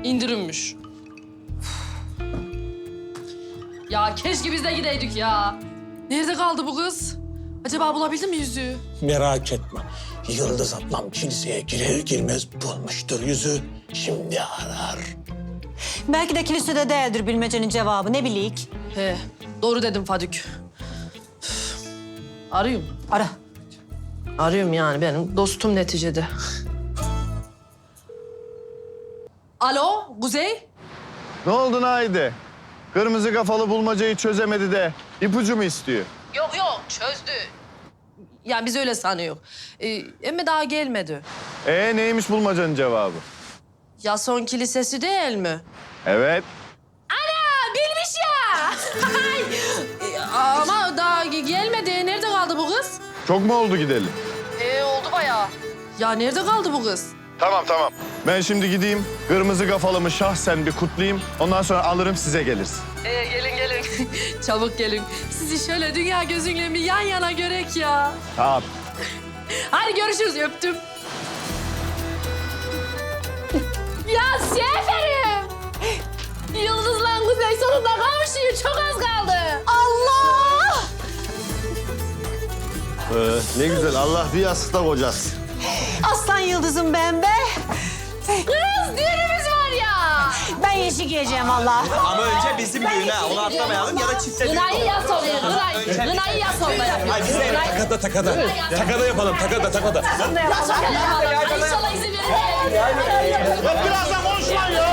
indirimmiş. Ya keşke biz de gideydik ya. Nerede kaldı bu kız? Acaba bulabildin mi yüzüğü? Merak etme. Yıldız ablam kiliseye girer girmez bulmuştur yüzü. Şimdi arar. Belki de kilisede değildir bilmecenin cevabı, ne bileyik. He, doğru dedim Fadük. Arıyorum. Ara. Arıyorum yani benim dostum neticede. Alo, Kuzey? Ne oldu Naide? Kırmızı kafalı bulmacayı çözemedi de ipucu mu istiyor? Yok yok, çözdü. Yani biz öyle sanıyoruz. Ama daha gelmedi. Neymiş bulmacanın cevabı? Yason Kilisesi değil mi? Evet. Ana, bilmiş ya! Ama daha gelmedi. Nerede kaldı bu kız? Çok mu oldu gidelim? Oldu bayağı. Ya nerede kaldı bu kız? Tamam. Ben şimdi gideyim, kırmızı kafalımı şahsen bir kutlayayım. Ondan sonra alırım size geliriz. Gelin. Çabuk gelin. Sizi şöyle dünya gözünle bir yan yana görek ya. Tamam. Hadi görüşürüz, öptüm. Ya Seferim! Yıldızla Kuzey sonunda kavuşuyor. Çok az kaldı. Allah! Ne güzel, Allah bir yastıkta kocasın. Aslan yıldızım ben be. Kız, düğünümüz var ya. Ben yeşil giyeceğim valla. Ama önce bizim düğün ha. Onu atlamayalım ya da çifte düğün. Gınayı yaz oraya, Gınayı yaz oraya. Takada yapalım, takada. İnşallah izin verir. Birazdan konuşmayın ya.